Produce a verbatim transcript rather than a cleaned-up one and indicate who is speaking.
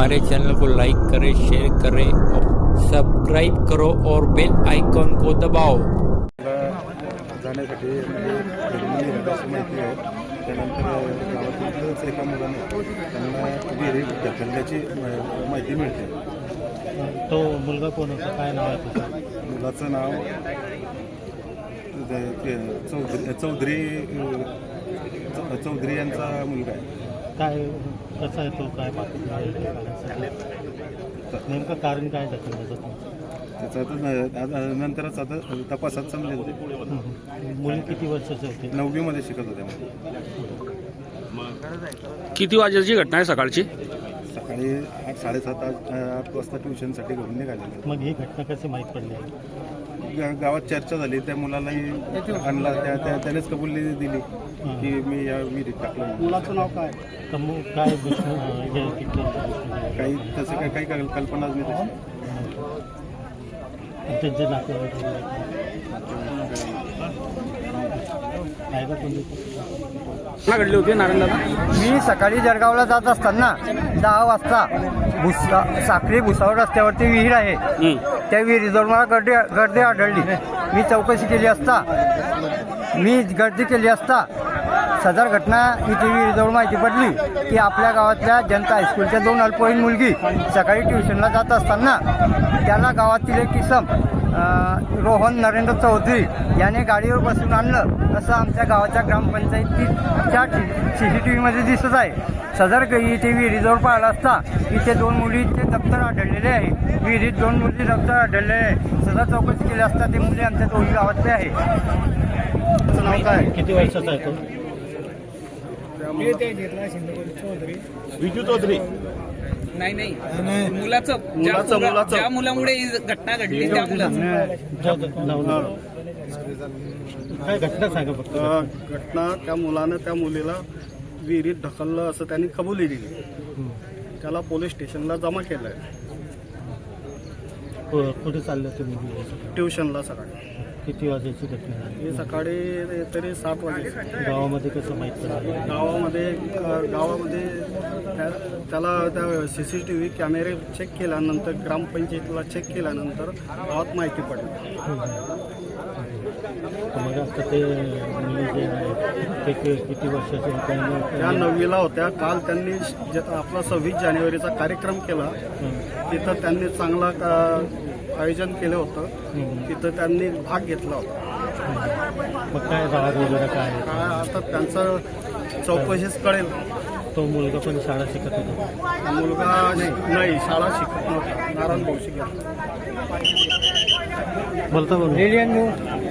Speaker 1: हमारे चैनल को लाइक करें, शेयर करें और सब्सक्राइब करो और बेल आइकॉन को दबाओ।
Speaker 2: जाण्यासाठी असं माहिती आहे. त्यानंतर गावातीलच एका मुलाने त्यांना विहिरीत ढकलल्याची माहिती मिळते.
Speaker 3: तो मुलगा कोण होता, काय नाव आहे त्याचं?
Speaker 2: मुलाचं नाव चौधरी चौधरी चौधरी यांचा मुलगा आहे.
Speaker 3: काय कसा आहे तो, काय नेमकं कारण काय ढकलण्याचं?
Speaker 2: त्याचं आता नंतरच आता तपासात समजेल.
Speaker 3: मुली किती वर्षाचे होते?
Speaker 2: नववीमध्ये शिकत होते.
Speaker 4: किती वाजेची घटना आहे सकाळची?
Speaker 2: सकाळी आठ साडेसात आठ आठ वाजता ट्युशनसाठी घेऊन निघालेले.
Speaker 3: मग ही घटना कशी माहीत पडली?
Speaker 2: गा- गावात चर्चा झाली. त्या मुलालाही आणला, त्या त्या त्यानेच कबुली दिली की मी या विहिरीत टाकलं.
Speaker 3: मुलाचं नाव काय? तर मग काय दुश्मन हे किती
Speaker 2: काही तसं काही काही कल- कल्पनाच नाही तशी.
Speaker 3: त्यांचे नातेवाईक आहे का कोणी?
Speaker 4: घटना घडली होती नारायणदादा?
Speaker 5: मी सकाळी जळगावला जात असताना दहा वाजता भुसा साखरी भुसावळ रस्त्यावरती विहीर आहे. त्या विहिरीजवळ मला गर्दी गर्दी आढळली. मी चौकशी केली असता मी गर्दी केली असता सदर घटना इथे विहिरीजवळ माहिती पडली की आपल्या गावातल्या जनता हायस्कूलच्या दोन अल्पवयीन मुलगी सकाळी ट्युशनला जात असताना त्याला गावातील एक किसम रोहन नरेंद्र चौधरी याने गाडीवर बसून आणलं असं आमच्या गावाच्या ग्रामपंचायतीच्या सी सी टी व्हीमध्ये दिसत आहे. सदर इथे विहिरीजवळ पाहिलं असता इथे दोन मुलींचे दप्तर आढळलेले आहे. विहिरीत दोन मुली दप्तर आढळलेले आहे. सदर चौकशी केली असता ते मुली आमच्या दोन्ही गावातले आहे. त्याचं नाव काय?
Speaker 3: किती वर्षाचा आहे तो?
Speaker 4: विजू चौधरी?
Speaker 6: नाही नाही मुलाचं मुलाचं मुलाचं ज्या मुलामुळे ही घटना घडली त्या मुलाचं.
Speaker 3: काय घटना सांगा फक्त.
Speaker 7: घटना त्या मुलानं त्या मुलीला विहिरीत ढकललं असं त्यांनी कबुली दिली. त्याला पोलीस स्टेशनला जमा केलं आहे.
Speaker 3: कुठे चाललं तुम्ही?
Speaker 7: ट्युशनला सकाळी.
Speaker 3: किती वाजायची घटना झाली?
Speaker 7: हे सकाळी तरी सात वाजे.
Speaker 3: गावामध्ये कसं माहीत पडलं?
Speaker 7: गावामध्ये गावामध्ये त्या- त्याला त्या सी सी टी व्ही कॅमेरे चेक केल्यानंतर ग्रामपंचायतीला चेक केल्यानंतर गावात माहिती पडली.
Speaker 3: मग आता ते मुली जे आहेत ते कि- किती वर्षाचे होते?
Speaker 7: त्या नववीला होत्या. काल त्यांनी जे आपला सव्वीस जानेवारीचा कार्यक्रम केला. तिथं त्यांनी चांगला का- आयोजन केलं होतं. तिथं त्यांनी भाग घेतला होता.
Speaker 3: मग काय राग वगैरे काय?
Speaker 7: काय आता त्यांचं चौकशीच कळेल.
Speaker 3: तो मुलगा पण शाळा शिकत होता?
Speaker 7: मुलगा नाही, शाळा शिकत नव्हता. नारायण भाऊ शिकत.
Speaker 3: बोलता बोल.